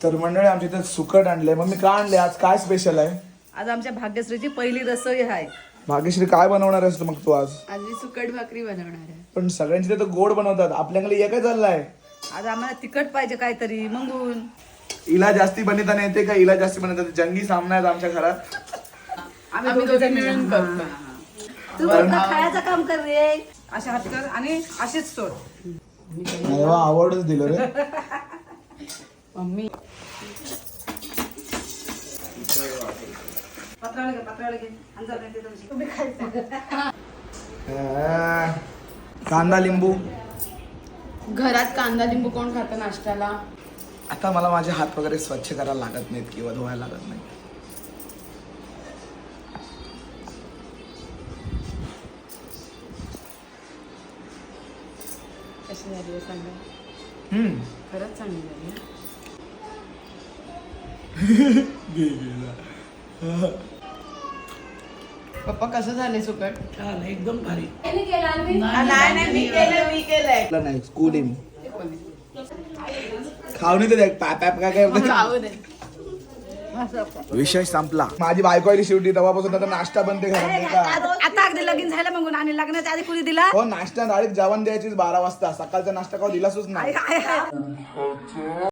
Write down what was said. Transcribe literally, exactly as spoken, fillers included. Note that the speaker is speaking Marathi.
तर मंडळी आमच्या इथे सुकट आणले. मग मी का आणले आज? काय स्पेशल आहे आज आमच्या भाग्यश्रीची पहिली रसोई आहे. भाग्यश्री काय बनवणार आहेस मग तू आज? आज मी सुकट भाकरी बनवणार आहे. पण सगळ्यांची तिथे गोड बनवतात, आपल्याकडे एकच चाललाय. आज आम्हाला तिखट पाहिजे काहीतरी मंगून. इला जास्ती बनवताना येते का? इला जास्ती बनवतात. जंगी सामना आहे आमच्या घरात. आम्ही दोघे मिळून करतो. तू फक्त खायचं काम कर रे. अशा हात कर आणि अशीच सोड. नाही वा, आवडच दिलं रे. मम्मी पात्राला घे, पात्राला घे. अंजार नाही ते तुमची. तुम्ही खायचं. आ, कांदा लिंबू. घरात कांदा लिंबू कोण खातं नाश्त्याला? आता मला माझे हात वगैरे स्वच्छ करायला लागत नाहीत किंवा धुवायला लागत नाही. कशी झाली आहे सांगा. हम्म. खरंच चांगली झाली. पप्पा कसं झाले सुकट? एकदम भारी. नाही नाही मी केलं मी केलंय. नाही स्कूलिंग खाऊन तर पॅप पॅप काय काय खाऊ दे. विषय संपला. माझी बायको आली शेवटी, तेव्हापासून आता नाश्ता बनते घरात नाही का? आता अगदी लगीन झालं मंगून आणि लग्नाच्या आधी कुणी दिला? हो, नाश्ता डायरेक्ट जेवण द्यायचीच बारा वाजता. सकाळचा नाश्ता खाऊ दिलासच नाही. आहे, आहे, आहे.